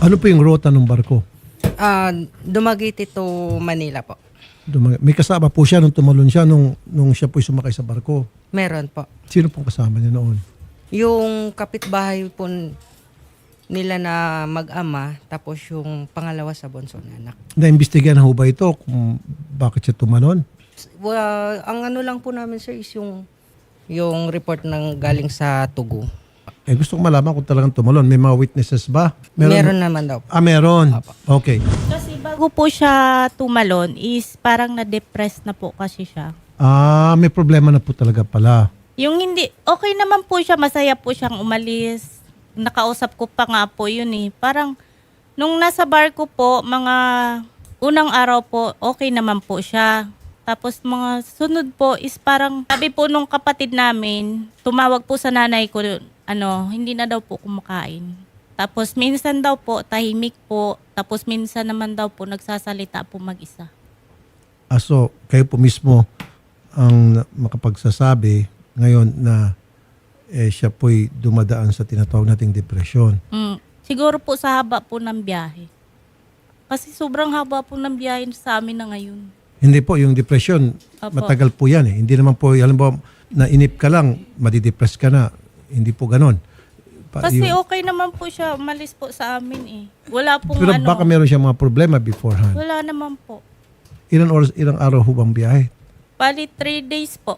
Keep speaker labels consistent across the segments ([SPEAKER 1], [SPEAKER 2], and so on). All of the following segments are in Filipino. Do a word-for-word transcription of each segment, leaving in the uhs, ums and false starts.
[SPEAKER 1] Ano po yung rota ng barko?
[SPEAKER 2] Ah, Dumaguete to Manila po.
[SPEAKER 1] Dumag- May kasama po siya nung tumalon siya nung, nung siya po sumakay sa barko.
[SPEAKER 2] Meron po.
[SPEAKER 1] Sino pong kasama niya noon?
[SPEAKER 2] Yung kapitbahay po nila na mag-ama, tapos yung pangalawa sa bunso na anak.
[SPEAKER 1] Na-imbestigahan na ho ba ito kung bakit siya tumalon?
[SPEAKER 2] Well, ang ano lang po namin sir is yung yung report ng galing sa Tugu.
[SPEAKER 1] Eh gusto ko malaman kung talagang tumalon. May mga witnesses ba?
[SPEAKER 2] Meron, naman daw po.
[SPEAKER 1] Ah, meron.
[SPEAKER 2] Apo.
[SPEAKER 1] Okay.
[SPEAKER 3] Kasi bago po siya tumalon is parang na-depress na po kasi siya.
[SPEAKER 1] Ah, may problema na po talaga pala.
[SPEAKER 3] Yung hindi, okay naman po siya, masaya po siyang umalis. Nakausap ko pa nga po yun eh. Parang nung nasa barko po, mga unang araw po, okay naman po siya. Tapos mga sunod po is parang sabi po nung kapatid namin, tumawag po sa nanay ko, ano, hindi na daw po kumakain. Tapos minsan daw po, tahimik po. Tapos minsan naman daw po, nagsasalita po mag-isa.
[SPEAKER 1] Ah, so, kayo po mismo ang makapagsasabi ngayon na eh, siya po'y dumadaan sa tinatawag nating depresyon.
[SPEAKER 3] Mm, siguro po sa haba po ng biyahe. Kasi sobrang haba po ng biyahe sa amin na ngayon.
[SPEAKER 1] Hindi po, yung depression,
[SPEAKER 3] Opo.
[SPEAKER 1] matagal po yan eh. Hindi naman po, halimbawa, nainip ka lang, madidepress ka na. Hindi po ganon. Pa-
[SPEAKER 3] Kasi
[SPEAKER 1] yung-
[SPEAKER 3] okay naman po siya, umalis po sa amin eh. Wala pong
[SPEAKER 1] pero
[SPEAKER 3] ano,
[SPEAKER 1] baka meron siya mga problema beforehand.
[SPEAKER 3] wala naman po.
[SPEAKER 1] Ilang oras, ilang araw ho bang biyahe?
[SPEAKER 3] Bali, three days po.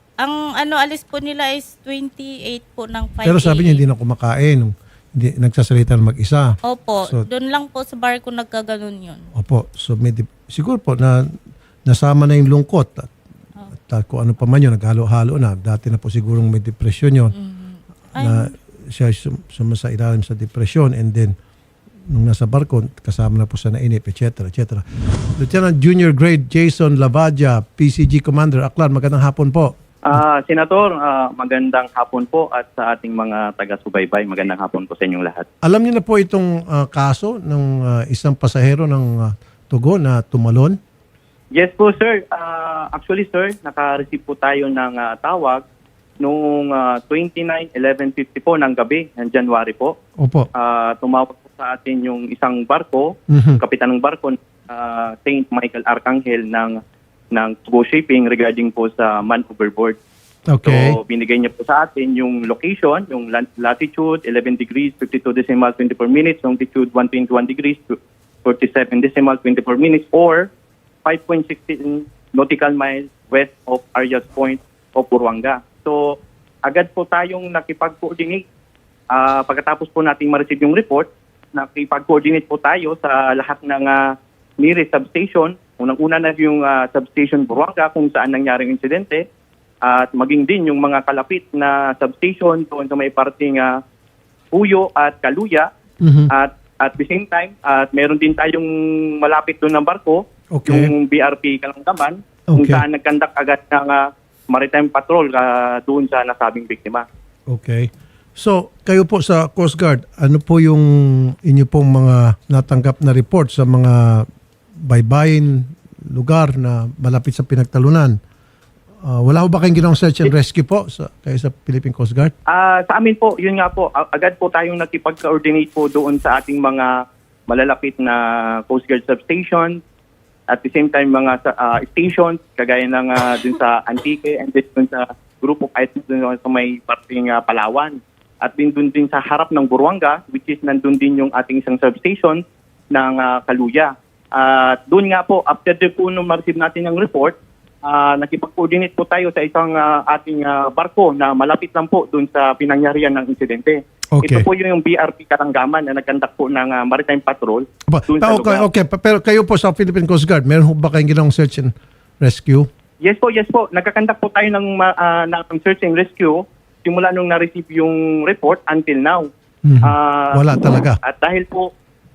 [SPEAKER 3] Ang ano, alis po nila is twenty-eight po ng five
[SPEAKER 1] Pero sabi niya hindi na kumakain, hindi nagsasalita ng mag-isa.
[SPEAKER 3] Opo,
[SPEAKER 1] So-
[SPEAKER 3] doon lang po sa barko nagkaganon yun.
[SPEAKER 1] Opo, so may dip- siguro po na nasama na yung lungkot at, at kung ano pa man yun, naghalo-halo na. Dati na po sigurong may depression yun.
[SPEAKER 3] Ay,
[SPEAKER 1] Na siya sum- sumasa ilalim sa depression and then nung nasa barko, kasama na po sa nainip, et cetera, et cetera. Lieutenant Junior Grade Jason Lavadia, P C G Commander, Aklan, magandang hapon po.
[SPEAKER 4] Ah, Senator, ah, magandang hapon po at sa ating mga taga-subaybay, magandang hapon po sa inyong lahat.
[SPEAKER 1] Alam niyo na po itong ah, kaso ng ah, isang pasahero ng ah, Tugo na tumalon?
[SPEAKER 4] Yes po, sir. Ah, actually, sir, naka-receive po tayo ng ah, tawag noong ah, twenty-nine eleven fifty po ng gabi, ng January po.
[SPEAKER 1] Opo.
[SPEAKER 4] Ah, tumawag po sa atin yung isang barko,
[SPEAKER 1] Mhm.
[SPEAKER 4] kapitan ng barko, ah, Saint Michael Arcangel ng ng Tugo Shipping regarding po sa man overboard.
[SPEAKER 1] Okay.
[SPEAKER 4] So, binigay niya po sa atin yung location, yung lat- latitude, eleven degrees, fifty-two decimal, twenty-four minutes, longitude, one hundred twenty-one degrees, forty-seven decimal, twenty-four minutes, or five point one six nautical miles west of Arias Point of Buruanga. So, agad po tayong nakipag-coordinate. Ah, pagkatapos po nating ma-receive yung report, nakipag-coordinate po tayo sa lahat ng ah, nearest substation. Unang-una na yung ah, substation Buruanga kung saan nangyaring insidente at maging din yung mga kalapit na substation doon sa may parting uh, Puyo at Kaluya.
[SPEAKER 1] Mhm.
[SPEAKER 4] At at the same time, at meron din tayong malapit doon ng barko,
[SPEAKER 1] Okay.
[SPEAKER 4] yung B R P Kalanggaman, kung
[SPEAKER 1] Okay.
[SPEAKER 4] saan nagkandak agad ng ah, maritime patrol uh, doon sa nasabing biktima.
[SPEAKER 1] Okay. So, kayo po sa Coast Guard, ano po yung inyo pong mga natanggap na report sa mga baybayin lugar na malapit sa pinagtalunan? Ah, wala ho ba kayong ginawang search and rescue po sa, kayo sa Philippine Coast Guard?
[SPEAKER 4] Ah, sa amin po, yun nga po, a- agad po tayong nakipag-coordinate po doon sa ating mga malalapit na Coast Guard substation. At the same time, mga sa- ah, stations, kagaya ng ah, dun sa Antique and then dun sa group of items dun sa may parting ah, Palawan. At din dun din sa harap ng Buruanga, which is nandun din yung ating isang substation ng ah, Kaluya. At doon nga po, after the po nung ma-receive natin yung report, ah, nakipag-coordinate po tayo sa isang ah, ating ah, barko na malapit lang po doon sa pinangyarihan ng insidente.
[SPEAKER 1] Okay.
[SPEAKER 4] Ito po yung B R P Karanggaman na nagkandak po ng ah, maritime patrol
[SPEAKER 1] Aba,
[SPEAKER 4] doon
[SPEAKER 1] ah,
[SPEAKER 4] sa
[SPEAKER 1] okay,
[SPEAKER 4] lugar.
[SPEAKER 1] okay. Pa- Pero kayo po sa Philippine Coast Guard, meron ho ba kayong ginawang search and rescue?
[SPEAKER 4] Yes po, yes po. Nagkakandak po tayo ng, ma- ah, ng search and rescue simula nung na-receive yung report until now.
[SPEAKER 1] Mhm.
[SPEAKER 4] Ah,
[SPEAKER 1] Wala talaga.
[SPEAKER 4] At dahil po,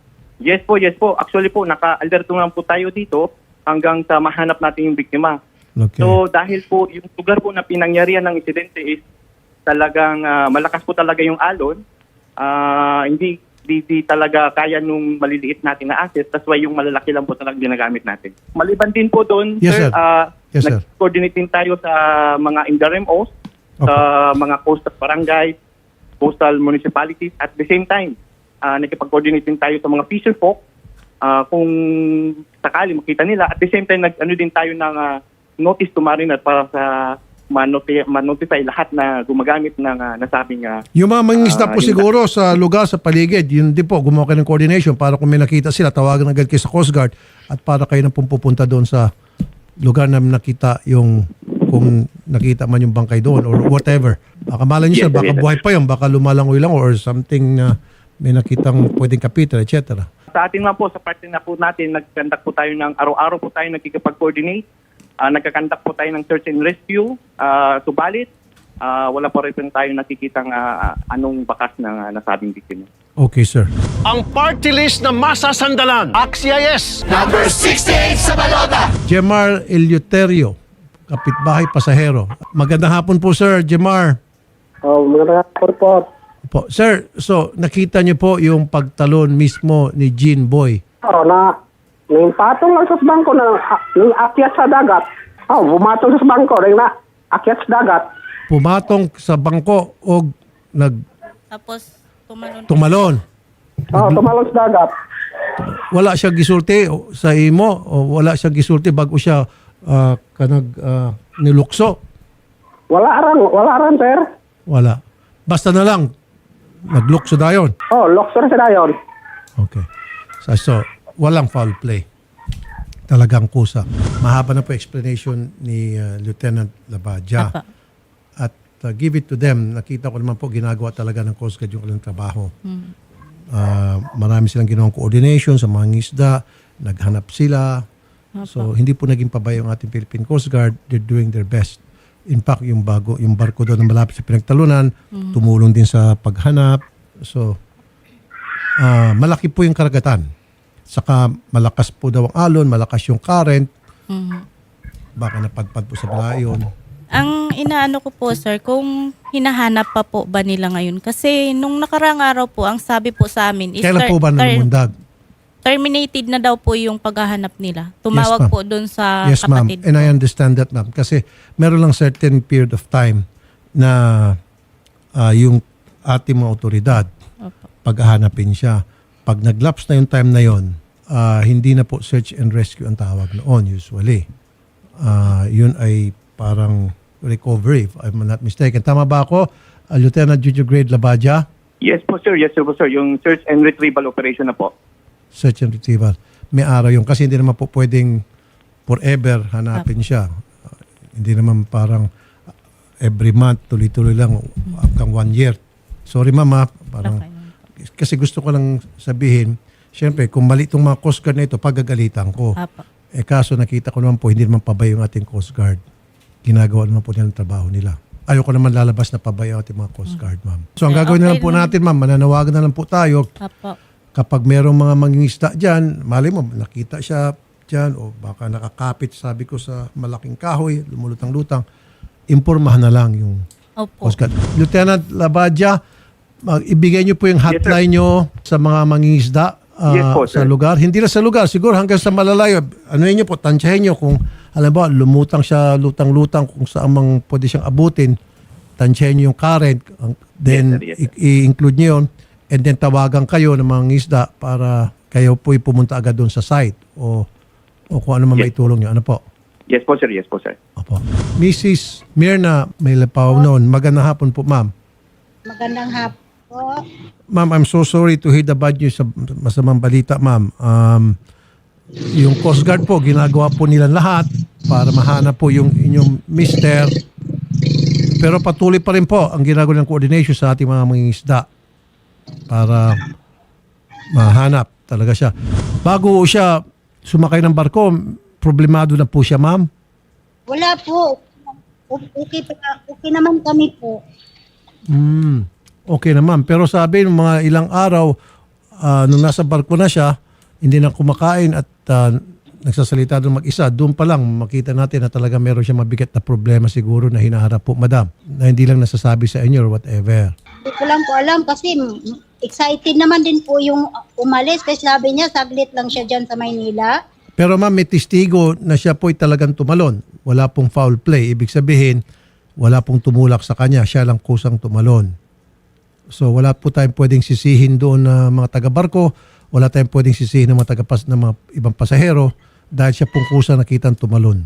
[SPEAKER 4] yes po, yes po. Actually po, naka-alerto lang po tayo dito hanggang sa mahanap natin yung biktima.
[SPEAKER 1] Okay.
[SPEAKER 4] So dahil po yung lugar po na pinangyarihan ng insidente is talagang ah, malakas po talaga yung alon. Ah, hindi di, di talaga kaya nung maliliit natin na asset. That's why yung malalaki lang po talagang ginagamit natin. Maliban din po doon,
[SPEAKER 1] Yes, sir.
[SPEAKER 4] ah,
[SPEAKER 1] Yes, sir.
[SPEAKER 4] nag-coordinate din tayo sa mga Indarem-Os, sa mga coastal barangay, coastal municipalities at the same time. uh, nakipag-coordinate din tayo sa mga fisher folk uh, kung sakali makita nila. At the same time, nag-ano din tayo ng uh, notice to mariner para sa manotify, manotify lahat na gumagamit ng uh, nasabing uh,
[SPEAKER 1] Yung mga mangingisda
[SPEAKER 4] Ah,
[SPEAKER 1] po
[SPEAKER 4] yun
[SPEAKER 1] siguro sa lugar, sa paligid, yun din po, gumawa kayo ng coordination para kung may nakita sila, tawagan agad kayo sa Coast Guard at para kayo na pong pupunta doon sa lugar na nakita yung, kung nakita man yung bangkay doon or whatever. Baka malay nyo
[SPEAKER 4] Yes,
[SPEAKER 1] sir, baka
[SPEAKER 4] yes, sir.
[SPEAKER 1] buhay pa yun, baka lumalangoy lang or something na may nakitang pwedeng kapitra, et cetera.
[SPEAKER 4] Sa atin nga po, sa parte na po natin, nagkandak po tayo ng araw-araw po tayo nagkikipag-coordinate. Uh, nagkakandak po tayo ng search and rescue. Uh, subalit, uh, wala pa rin tayo nakikitang uh, anong bakas ng uh, nasabing biktima.
[SPEAKER 1] Okay sir.
[SPEAKER 5] Ang party list na masasandalan. Axia yes!
[SPEAKER 1] Jemar Eleuterio, kapitbahay pasahero. Magandang hapon po sir, Jemar.
[SPEAKER 6] Oh, magandang hapon po.
[SPEAKER 1] Po. Sir, so nakita niyo po yung pagtalon mismo ni Jean Boy.
[SPEAKER 6] Oh, na nang patong lang sa bangko na nang akyat sa dagat. Oh, bumatong sa bangko ring na akyat sa dagat.
[SPEAKER 1] Pumatong sa bangko o nag
[SPEAKER 3] Tapos tumalon.
[SPEAKER 1] tumalon.
[SPEAKER 6] Oh, tumalon sa dagat.
[SPEAKER 1] Wala siya gisulti o- sa imo o wala siya gisulti bago siya ah, kanag ah, nilukso.
[SPEAKER 6] Wala ran, wala ran, sir.
[SPEAKER 1] Wala. Basta na lang naglukso dayon.
[SPEAKER 6] Oh, loksor sa dayon.
[SPEAKER 1] Okay. So, so walang foul play. Talagang kusa. Mahaba na po explanation ni ah, Lieutenant Labadia.
[SPEAKER 3] Apa.
[SPEAKER 1] At uh, give it to them. Nakita ko naman po ginagawa talaga ng Coast Guard yung kanilang trabaho. Ah, marami silang ginawang coordination sa mga ngisda. Naghanap sila. So hindi po naging pabaya yung ating Philippine Coast Guard. They're doing their best. In fact, yung bago, yung barko doon na malapit sa pinagtalunan, tumulong din sa paghanap. So ah, malaki po yung karagatan. Saka malakas po daw ang alon, malakas yung current. Baka napadpad po sa balayon.
[SPEAKER 3] Ang inaano ko po sir, kung hinahanap pa po ba nila ngayon? Kasi nung nakarang araw po, ang sabi po sa amin is
[SPEAKER 1] Kailan
[SPEAKER 3] ter-
[SPEAKER 1] po ba
[SPEAKER 3] ter-
[SPEAKER 1] nalumundag?
[SPEAKER 3] terminated na daw po yung paghahanap nila. Tumawag
[SPEAKER 1] Yes, ma'am.
[SPEAKER 3] po doon sa
[SPEAKER 1] Yes, ma'am.
[SPEAKER 3] kapatid
[SPEAKER 1] And
[SPEAKER 3] ko.
[SPEAKER 1] I understand that, ma'am. Kasi meron lang certain period of time na ah, yung ating mga otoridad,
[SPEAKER 3] Opo.
[SPEAKER 1] paghahanapin siya. Pag nag-lapse na yung time na yon, ah, hindi na po search and rescue ang tawag noon usually. Ah, yun ay parang recovery, if I'm not mistaken. Tama ba ako, ah, Lieutenant Junior Grade Labadia?
[SPEAKER 4] Yes po sir, yes sir po sir. Yung search and retrieval operation na po.
[SPEAKER 1] Search and retrieval. May araw yung kasi hindi naman po pwedeng forever hanapin siya. Uh, hindi naman parang uh, every month, tuloy-tuloy lang hanggang one year. Sorry mama, parang
[SPEAKER 3] Okay.
[SPEAKER 1] kasi gusto ko lang sabihin, syempre kung mali itong mga Coast Guard na ito, pagagalitan ko.
[SPEAKER 3] Apa.
[SPEAKER 1] Eh kaso nakita ko naman po, hindi naman pabay yung ating Coast Guard. Ginagawa naman po nila ang trabaho nila. Ayoko naman lalabas na pabay ang ating mga Coast Guard, ma'am. So ang
[SPEAKER 3] Eh,
[SPEAKER 1] gagawin na
[SPEAKER 3] okay
[SPEAKER 1] lang po
[SPEAKER 3] naman.
[SPEAKER 1] natin, ma'am, mananawagan na lang po tayo
[SPEAKER 3] Apa.
[SPEAKER 1] kapag merong mga mangingisda dyan, mali mo, nakita siya dyan o baka nakakapit, sabi ko, sa malaking kahoy, lumulutang-lutang, impormahan na lang yung
[SPEAKER 3] Opo.
[SPEAKER 1] Coast Guard. Lieutenant Labadia, mag- ibigay niyo po yung hotline niyo sa mga mangingisda ah,
[SPEAKER 4] Yes po,
[SPEAKER 1] sa
[SPEAKER 4] sir.
[SPEAKER 1] lugar. Hindi na sa lugar, siguro hanggang sa malalayo. Ano niyo po, tansyahin niyo kung, alam ba, lumutang siya, lutang-lutang, kung saan mang pwede siyang abutin, tansyahin niyo yung current, ang- then
[SPEAKER 4] Yes, sir. Yes, sir.
[SPEAKER 1] i- i-include niyo yun, and then tawagan kayo ng mga isda para kayo po'y pumunta agad doon sa site o o kung ano man
[SPEAKER 4] Yes.
[SPEAKER 1] maitulong niyo. Ano po?
[SPEAKER 4] Yes po sir, yes po sir.
[SPEAKER 1] Opo. Missus Mirna Maylapaw noon, magandang hapon po, ma'am.
[SPEAKER 7] Magandang hapon po.
[SPEAKER 1] Ma'am, I'm so sorry to hear the bad news sa masamang balita, ma'am. Um, yung Coast Guard po, ginagawa po nila lahat para mahanap po yung inyong mister. Pero patuloy pa rin po ang ginagawa ng coordination sa ating mga mangingisda para mahanap talaga siya. Bago siya sumakay ng barko, problemado na po siya, ma'am.
[SPEAKER 7] Wala po. O- Okay, pa- okay naman kami po.
[SPEAKER 1] Hmm. Okay naman. Pero sabi ng mga ilang araw, ah, nung nasa barko na siya, hindi na kumakain at ah, nagsasalita doon mag-isa, doon pa lang makita natin na talaga meron siya mabigat na problema siguro na hinaharap po, madam. Na hindi lang nasasabi sa inyo or whatever.
[SPEAKER 7] Hindi ko lang po alam kasi mm, excited naman din po yung umalis kasi sabi niya saglit lang siya dyan sa Maynila.
[SPEAKER 1] Pero ma'am, may testigo na siya po'y talagang tumalon. Wala pong foul play. Ibig sabihin, wala pong tumulak sa kanya. Siya lang kusang tumalon. So wala po tayong pwedeng sisihin doon na mga taga-barko, wala tayong pwedeng sisihin ng mga taga-pas ng mga ibang pasahero dahil siya pong kusa nakitang tumalon.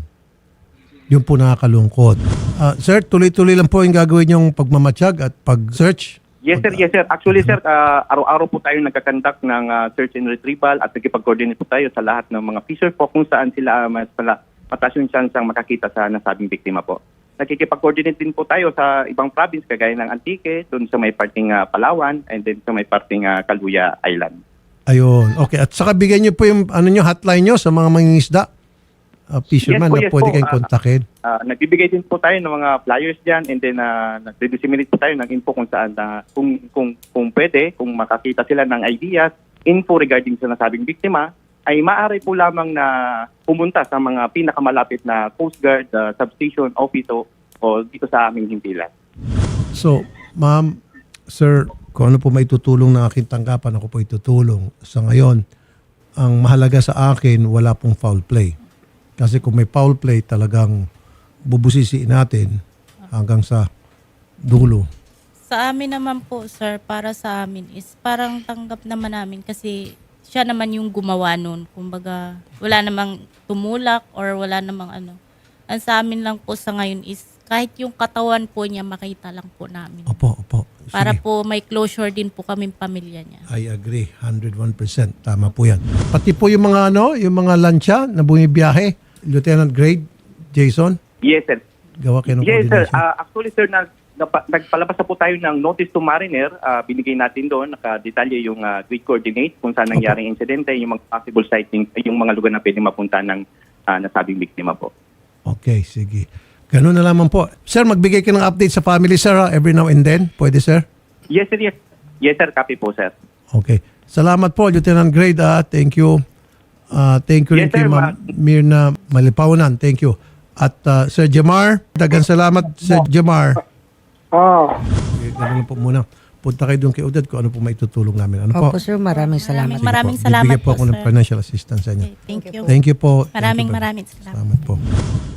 [SPEAKER 1] Yun po nakakalungkot. Ah, sir, tuloy-tuloy lang po yung gagawin yung pagmamatsyag at pag-search.
[SPEAKER 4] Yes sir, yes sir. Actually sir, ah, araw-araw po tayo nagkakandak ng ah, search and retrieval at nagkipag-coordinate po tayo sa lahat ng mga fisher po kung saan sila mas pala, mataas yung chance ang makakita sa nasabing biktima po. Nakikipag-coordinate din po tayo sa ibang province kagaya ng Antique, doon sa may parting ah, Palawan, and then sa may parting ah, Caluya Island.
[SPEAKER 1] Ayun. Okay. At saka bigyan niyo po yung ano nyo, hotline nyo sa mga mangingisda. Uh, fisherman
[SPEAKER 4] Yes po,
[SPEAKER 1] na
[SPEAKER 4] yes
[SPEAKER 1] pwede
[SPEAKER 4] po.
[SPEAKER 1] kayong
[SPEAKER 4] Ah,
[SPEAKER 1] kontakin.
[SPEAKER 4] Ah, nagbibigay din po tayo ng mga flyers diyan, and then uh, nagdi-disseminate po tayo ng info kung saan na kung kung kung pwede, kung makakita sila ng ideas, info regarding sa nasabing biktima, ay maaari po lamang na pumunta sa mga pinakamalapit na Coast Guard ah, substation office o, o dito sa aming himpilan.
[SPEAKER 1] So, ma'am, sir, kung ano po may tutulong ng aking tanggapan, ako po itutulong. Sa ngayon, ang mahalaga sa akin, wala pong foul play. Kasi kung may foul play, talagang bubusisiin natin hanggang sa dulo.
[SPEAKER 3] Sa amin naman po, sir, para sa amin is parang tanggap naman namin kasi siya naman yung gumawa nun. Kumbaga, wala namang tumulak or wala namang ano. Ang sa amin lang po sa ngayon is kahit yung katawan po niya makita lang po namin.
[SPEAKER 1] Opo, opo. Sige.
[SPEAKER 3] Para po may closure din po kaming pamilya niya.
[SPEAKER 1] I agree. one hundred one percent. Tama po yan. Pati po yung mga ano, yung mga lansya na bumibiyahe, Lieutenant Grade Jason,
[SPEAKER 4] Yes sir.
[SPEAKER 1] gawa kayo ng
[SPEAKER 4] Yes sir.
[SPEAKER 1] coordination.
[SPEAKER 4] Ah, actually sir, nag, napa- nagpalabas na po tayo ng notice to mariner. Ah, binigay natin doon, nakadetalye yung uh, grid coordinate kung saan nangyaring insidente, yung mga possible sighting, yung mga lugar na pwede mapunta ng ah, nasabing biktima po.
[SPEAKER 1] Okay, sige. Ganun na lamang po. Sir, magbigay ka ng update sa family, sir, ha? Every now and then. Pwede, sir?
[SPEAKER 4] Yes sir, yes. Yes sir, copy po sir.
[SPEAKER 1] Okay. Salamat po, Lieutenant Grade. Ah. Thank you. Ah, thank you rin
[SPEAKER 4] Yes,
[SPEAKER 1] kay
[SPEAKER 4] sir,
[SPEAKER 1] Ma'am Mirna Malipaunan. Thank you. At ah, Sir Jamar, dagan salamat, Sir Jamar.
[SPEAKER 6] Oh.
[SPEAKER 1] Okay, ganun lang po muna. Punta kayo doon kay Odette kung ano po maitutulong namin. Ano po?
[SPEAKER 2] Opo sir, maraming salamat.
[SPEAKER 3] Maraming
[SPEAKER 1] Sige po.
[SPEAKER 3] salamat
[SPEAKER 1] Bibigyan po
[SPEAKER 3] po,
[SPEAKER 1] ako ng
[SPEAKER 3] sir.
[SPEAKER 1] financial assistance sa inyo.
[SPEAKER 3] Okay, thank you.
[SPEAKER 1] Thank you po. Thank
[SPEAKER 3] Maraming
[SPEAKER 1] you po.
[SPEAKER 3] maraming salamat.
[SPEAKER 1] Salamat po.